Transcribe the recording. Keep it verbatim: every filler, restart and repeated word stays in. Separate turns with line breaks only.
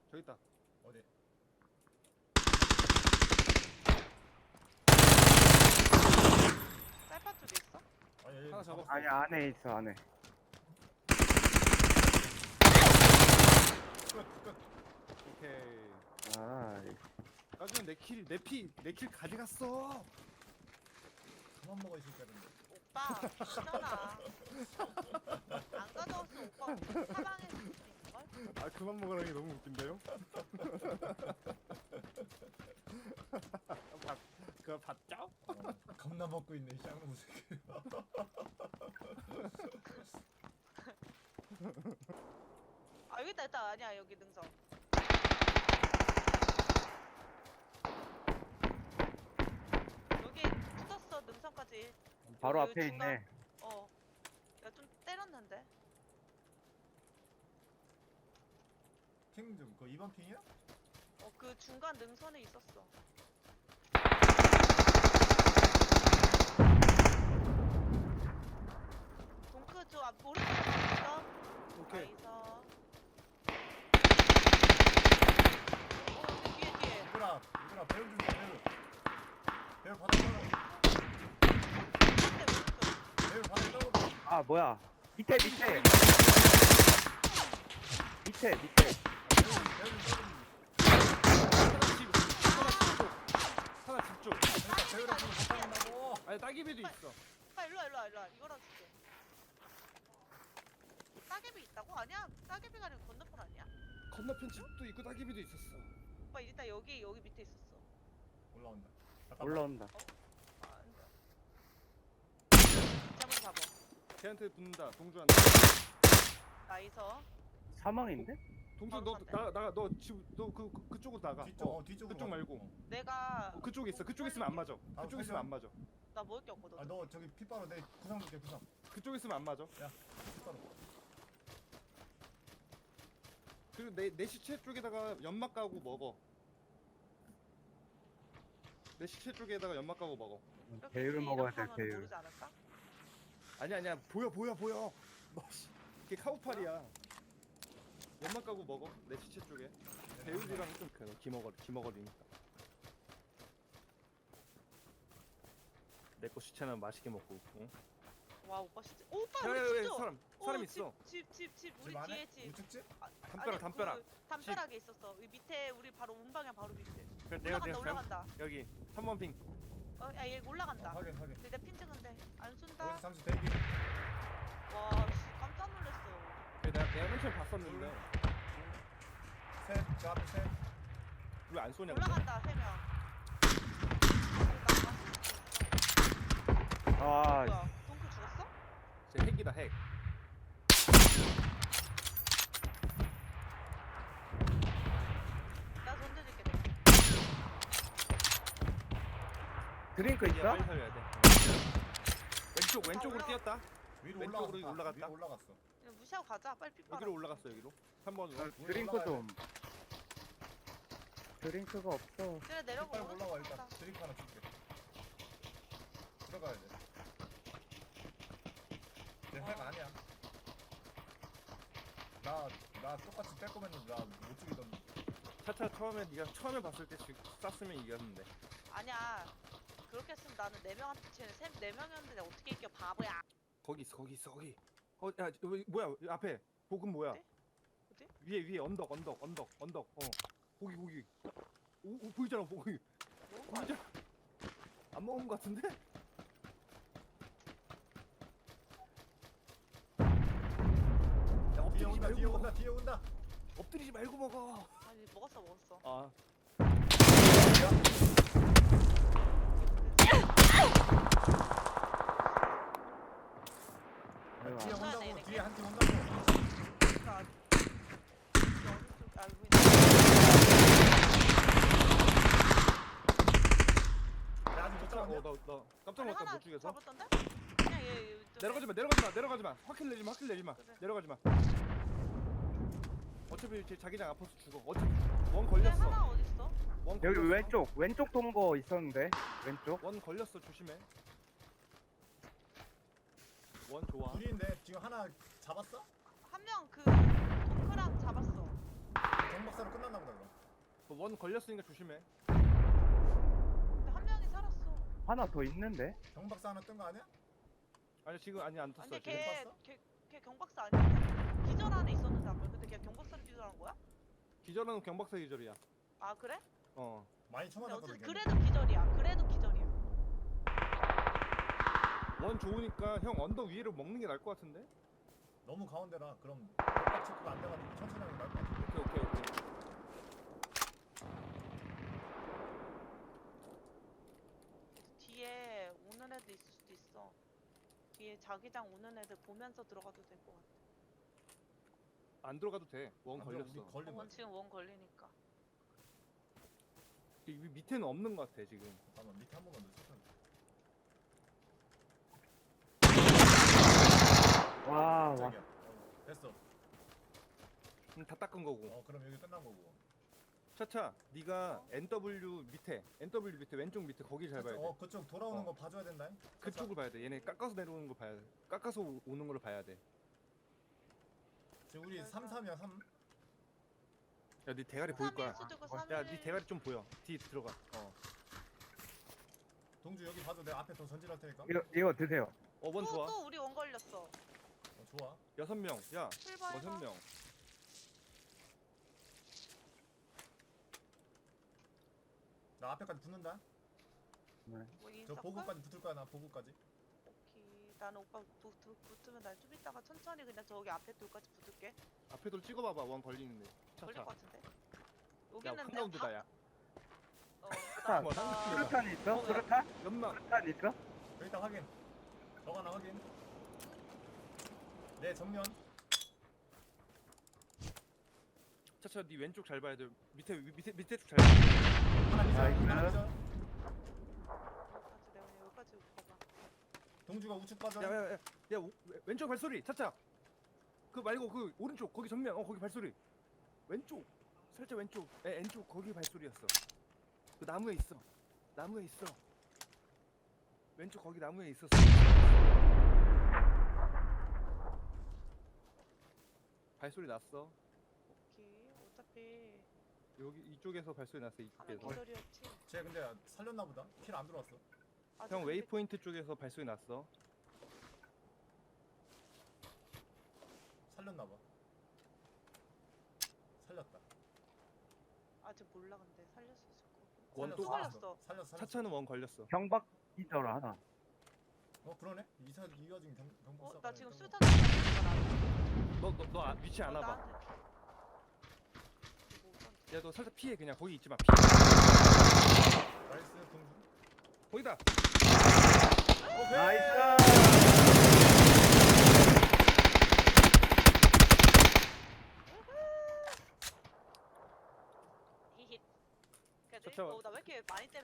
저기 있다.
어디?
쌀파 쪽에 있어?
아니 여기
하나 잡았어.
아니 안에 있어 안에.
끝끝
오케이.
아
나중에 내 킬, 내 피, 내 킬 가져갔어.
그만 먹어 이 새끼들인데.
오빠 있잖아. 안 가져왔어 오빠 사방에 있을 수 있을걸?
아 그만 먹으라니 너무 웃긴데요? 봤, 그거 봤죠?
어, 겁나 먹고 있네 이 쌍놈 새끼.
아 여기 있다 있다 아니야 여기 능선. 여기 붙었어 능선까지.
바로
여기
앞에
중간-
있네.
어. 야 좀 때렸는데.
핑좀그 이 번 핑이야?
어 그 중간 능선에 있었어. 동크 저 앞 오른쪽에 있어.
오케이.
나이스. 어 여기 뒤에 뒤에.
얘들아 얘들아 배율 좀 줘, 배율. 배율 받아 떨어.
한대 오른쪽.
배율 받아 떨어.
아 뭐야? 밑에 밑에 밑에 밑에.
배율 배율 좀 떨어.
하나 집, 하나 집 쪽. 하나 집 쪽.
그러니까 배율 없으면 못 받는다고.
아니 따기비도 있어.
아 일로와 일로와 일로와 이거랑 줄게. 따개비 있다고? 아니야 따개비가 아니고 건너편 아니야?
건너편 집도 있고 따기비도 있었어.
오빠 일단 여기 여기 밑에 있었어.
올라온다. 잠깐만.
올라온다.
아 안돼. 잠을 잡아.
걔한테 붙는다. 동주한테.
나이스.
사망인데?
동주
바로
너
간대.
나가 나가 너 지금 너그 그, 그쪽으로 나가.
뒤쪽
어,
어 뒤쪽으로.
그쪽
가.
말고.
어.
내가
어, 그쪽에 있어. 그쪽에 있으면 안 맞아.
아,
그쪽에 있으면 안 맞아.
나 먹을 게 없거든.
아 너 저기 핏바로 내 구상 줄게 구상.
그쪽에 있으면 안 맞아.
핏바로.
그리고 내, 내 시체 쪽에다가 연막 까고 먹어. 내 시체 쪽에다가 연막 까고 먹어.
이렇게
배율을
이렇게
먹어야 돼
하면
배율.
모르지 않을까?
아니야 아니야 보여 보여 보여. 너 씨, 그게 카우팔이야. 연막 까고 먹어. 내 시체 쪽에. 배우지랑 좀 그래. 기머거리 기머거리니까. 내 거 시체는 맛있게 먹고. 응?
와 오빠 진짜. 오, 오빠
야,
우리
야,
집
야,
좀.
사람 사람 있어.
집집 집 우리
집 안에?
뒤에 집.
우측집?
아,
담벼락
아니,
담벼락.
그 담벼락에 있었어. 이 밑에 우리 바로 문방향 바로 밑에.
그래, 내가
올라간다
내가
올라간다.
여기 삼 번 핑.
어, 야, 얘 올라간다.
어, 확인 확인.
근데 내핀 찍은데 안 쏜다.
여기서 잠시 대기.
와, 씨, 깜짝 놀랐어.
그래, 내가 내가 맨 처음 봤었는데
셋. 저 앞에 셋.
왜 안 쏘냐? 근데?
올라간다 세 명.
아
뭐야? 동크 죽었어?
제 핵이다 핵.
나 던져줄게 내가.
드링크
이제
있어?
빨리 살려야 돼. 왼쪽 왼쪽으로
올라가-
뛰었다.
위로
왼쪽으로
올라갔다.
올라갔다.
위로 올라갔어.
그냥 무시하고 가자. 빨리 피 빨아.
여기로 올라갔어 여기로. 삼 번으로.
어, 드링크 좀. 드링크가 없어.
그래 내려가.
핏발 올라와
오른쪽
일단.
가자.
드링크 하나 줄게. 들어가야 돼. 내핵 아니야. 나, 나 똑같이 뺄 거면 나못 죽이던데.
차차 처음에 네가 처음에 봤을 때 지- 쐈으면 이겼는데.
아니야. 그렇게 했으면 나는 네 명한테 쟤는 세, 네 명이었는데 어떻게 이겨 바보야.
거기 있어 거기 있어 거기. 어, 야, 여기 뭐야? 여기 앞에 복은 뭐야?
어디? 어디?
위에 위에 언덕 언덕 언덕 언덕. 어. 거기 거기. 오, 오 보이잖아 거기.
먹은 거 아니야?
보이잖아. 안 먹은 거 같은데? 야,
뒤에
엎드리지
온다,
말고
뒤에
먹어.
온다, 뒤에 온다.
엎드리지 말고 먹어.
아니 먹었어 먹었어.
아.
아이고,
뒤에
아.
온다고,
네,
뒤에
네.
한 팀 온다고.
그러니까 오른쪽 알고 있는.
야, 아직 못 잡았냐?
어, 나, 나 깜짝
아니,
놀랐다
하나
못 죽여서.
잡았던데? 그냥 얘, 얘 좀-
내려가지 마, 내려가지 마, 내려가지 마. 확킬 내지 마, 확킬 내지 마.
그래.
내려가지 마. 어차피 제 자기장 아파서 죽어. 어차피 원
근데
걸렸어.
하나 어딨어?
원
여기
걸렸어.
왼쪽 왼쪽 동거 있었는데 왼쪽.
원 걸렸어. 조심해. 원 좋아.
둘인데 지금 하나 잡았어?
한 명 그 동크랑 잡았어.
경박사로 끝났나 보다.
원 걸렸으니까 조심해.
근데 한 명이 살았어.
하나 더 있는데?
경박사 하나 뜬 거 아니야?
아니 지금 아니 안 떴어.
아니
지금.
걔,
봤어?
걔, 걔 경박사 아니야? 기절 안에 있었는데 아까 근데 걔 경박사를 기절한 거야?
기절은 경박사 기절이야.
아 그래?
어.
많이
근데
쳐맞았거든.
어쨌든 그래도 기절이야. 그래도 기절이야.
원 좋으니까 형 언덕 위로 먹는 게 나을 것 같은데?
너무 가운데라. 그럼 벽박 체크가 안 돼가지고 천천히 하는 게 나을 것 같아.
오케이 오케이 오케이.
뒤에 오는 애도 있을 수도 있어. 뒤에 자기장 오는 애들 보면서 들어가도 될 것 같아.
안 들어가도 돼. 원
안 들어,
걸렸어.
우리 걸린
어,
거야.
원, 지금 원 걸리니까.
이 밑에는 없는 것 같아 지금.
잠깐만 밑에 한 번만 더 체크.
와, 와.
깜짝이야. 어, 됐어.
음, 다 닦은 거고.
어 그럼 여기 끝난 거고.
차차, 네가
어?
엔더블유 밑에, 엔더블유 밑에 왼쪽 밑에 거기 잘 봐야 돼.
어 그쪽 돌아오는
어.
거 봐줘야 된다.
그쪽을 봐야 돼. 얘네 깎아서 내려오는 거 봐야 돼. 깎아서 오- 오는 걸 봐야 돼.
지금 우리 삼 삼이야 삼.
야, 네 대가리 보일 거야.
삼일 수도 있고
야,
삼일.
네 대가리 좀 보여. 뒤 들어가. 어.
동주 여기 봐도 내가 앞에 더 전진할 테니까.
이거, 이거 드세요.
어, 원
또,
좋아.
또 우리 원 걸렸어.
어, 좋아.
여섯 명. 야,
출발해서.
여섯 명.
나 앞에까지 붙는다.
뭐
저
인사걸?
보고까지 붙을 거야 나 보고까지.
오케이. 나는 오빠 도, 도, 붙으면 난 좀 이따가 천천히 그냥 저기 앞에 돌까지 붙을게.
앞에 돌 찍어봐봐. 원 걸리는데.
걸릴
차차.
것 같은데?
야,
여기는
한가운데다 야.
어,
차,
뭐,
그다음-
한-
수류탄 있어?
어,
수류탄?
연막.
수류탄 있어?
일단 확인. 저거 하나 확인. 내 정면.
차차, 네 왼쪽 잘 봐야 돼. 밑에 위- 밑에 밑에 쪽 잘 봐.
하나 기절.
나이스.
하나 기절.
여기까지 내가 그냥 여기까지 가봐.
동주가 우측 빠져.
야, 야, 야, 야, 오- 왼- 왼쪽 발소리. 차차. 그 말고 그 오른쪽 거기 전면. 어, 거기 발소리. 왼쪽. 살짝 왼쪽. 에, 왼쪽 거기 발소리였어. 그 나무에 있어. 나무에 있어. 왼쪽 거기 나무에 있었어. 발소리 났어.
오케이. 어차피
여기 이쪽에서 발소리 났어.
하나
이쪽에서.
기절이었지.
쟤 근데 살렸나 보다. 킬 안 들어왔어.
아직
형
근데
웨이포인트 쪽에서 발소리 났어.
살렸나 봐. 살렸다.
아직 몰라 근데 살렸을 거고.
원 또
또
살렸어.
걸렸어.
살렸어. 살렸어.
차차는 원 걸렸어.
경박 기절 하나.
어 그러네. 이사 이 와중에 경 경복사.
어, 나 지금 술탄 던지는
너 너 너 아, 위치 안 와봐.
뭐
야, 너 살짝 피해 그냥. 거기 있지 마. 피해.
나이스 동주.
거기다.
오케이.
나이스!
히힛.
저, 저.
어, 나 왜 이렇게 많이 때려?